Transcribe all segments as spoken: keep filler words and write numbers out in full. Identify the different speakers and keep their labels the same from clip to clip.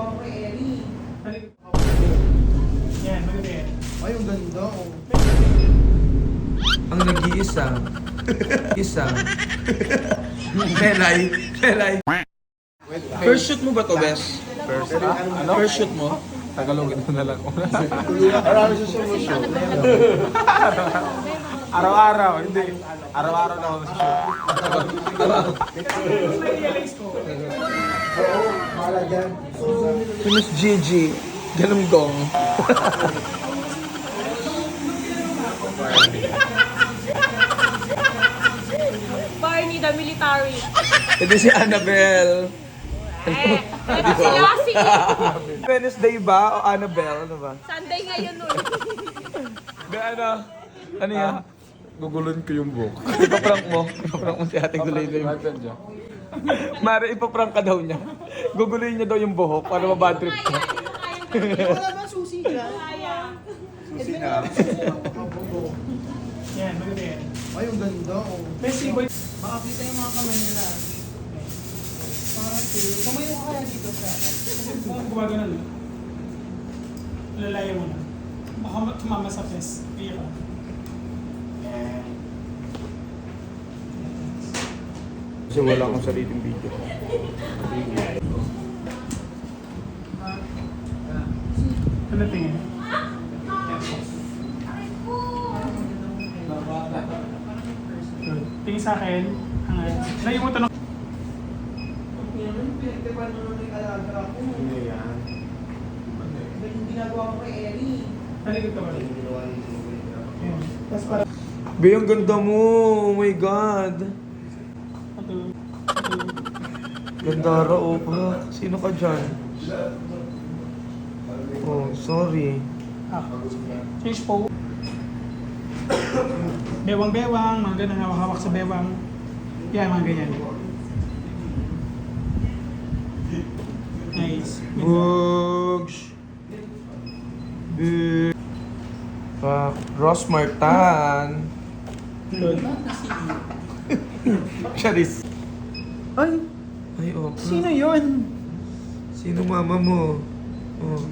Speaker 1: ginagawa ko kay Ellie.
Speaker 2: Yan, maganda.
Speaker 3: Ay, ang ganda. Oh.
Speaker 4: Ang nag-iisa. Isa. Melay. Melay. First shoot mo ba to, Bes?
Speaker 3: First, ano?
Speaker 4: First shoot mo?
Speaker 3: Tagalogin mo na lang. Marami sa solusyon. Araw-araw, hindi. Araw-araw na ako sa shoot.
Speaker 2: Na-realize ko.
Speaker 3: Oo, mahala dyan.
Speaker 4: Si Miss Gigi. Galunggong.
Speaker 5: Barney the military.
Speaker 4: Ito si Annabelle.
Speaker 5: Eh, ito si Lassie.
Speaker 4: Wednesday ba o Annabelle? Ano ba?
Speaker 5: Sunday ngayon nun.
Speaker 4: Be, ano? Ano yan?
Speaker 3: Gugulun ko yung buhok.
Speaker 4: Ipaprank mo. Ipaprank mo si Ate Gulay na yung... Mare, ipaprank ka daw niya. Guguluhin niya daw yung buhok para mabad trip ka.
Speaker 1: Wala ba susi dyan?
Speaker 3: Susi na.
Speaker 2: Yan, maganda yan.
Speaker 3: Ay, ang ganda. Oh.
Speaker 2: Messi boy.
Speaker 1: Makakita yung mga kamay nila. Parang chill. Tumayo ka kaya dito sa
Speaker 2: Kung gumagano na. Lalayo mo na. Baka tumama sa fest. Kaya ka.
Speaker 4: Kasi wala akong sariling video.
Speaker 2: Ano tingin? Good. Tingin sa akin. Hangad. Layo mo ito ng...
Speaker 1: pinagtipan mo nung yung alaga ko.
Speaker 3: Hindi yan.
Speaker 1: Yung ginagawa ko kay Ellie.
Speaker 2: Talikod ka ba? Yan. Tapos para...
Speaker 4: Be, ang ganda mo! Oh my God!
Speaker 2: Ito. Ito.
Speaker 4: Ganda rao pa. Sino ka dyan? Oh, sorry.
Speaker 2: Ah. Change po. Bewang-bewang. Mga ganun. Hawak-hawak sa bewang. Yan, mga ganyan. Nice.
Speaker 4: Bugs! Big! Fuck. Ross Martan!
Speaker 2: Good.
Speaker 4: Charis!
Speaker 1: Ay,
Speaker 4: Ay, oh.
Speaker 1: sino yun?
Speaker 4: Sino mama mo? Oh.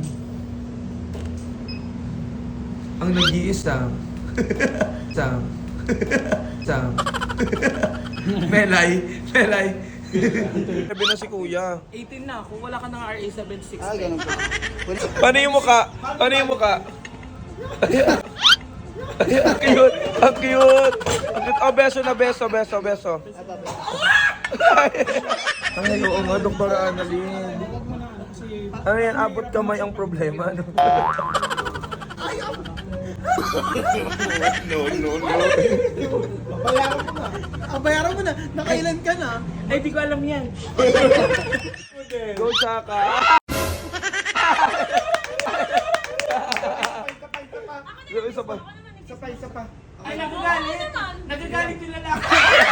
Speaker 4: Ang nag-iisa. Sam. Sam. Melay. Melay. Sabi na si kuya.
Speaker 1: eighteen na ako, wala ka ng R A seven six.
Speaker 3: Ah, ganun pa.
Speaker 4: Paano yung mukha? Paano yung mukha? Ang cute! Ang cute! Ang cute! Oh, beso na beso, beso, beso. Ay, oo nga, Doktor Annalyn. Ano yan, abot kamay ang problema. No?
Speaker 3: No, no, no.
Speaker 1: Bayaran mo na. Ah, bayaran mo na. Nakailan ka na? Ay, di ko alam yan.
Speaker 4: Go, Chaka!
Speaker 1: Kapay, kapay, kapay.
Speaker 4: Isa pa.
Speaker 1: Isa pa, isa pa. Ay, nagagalit.
Speaker 5: naman.
Speaker 1: Nagagalit yung lalaki.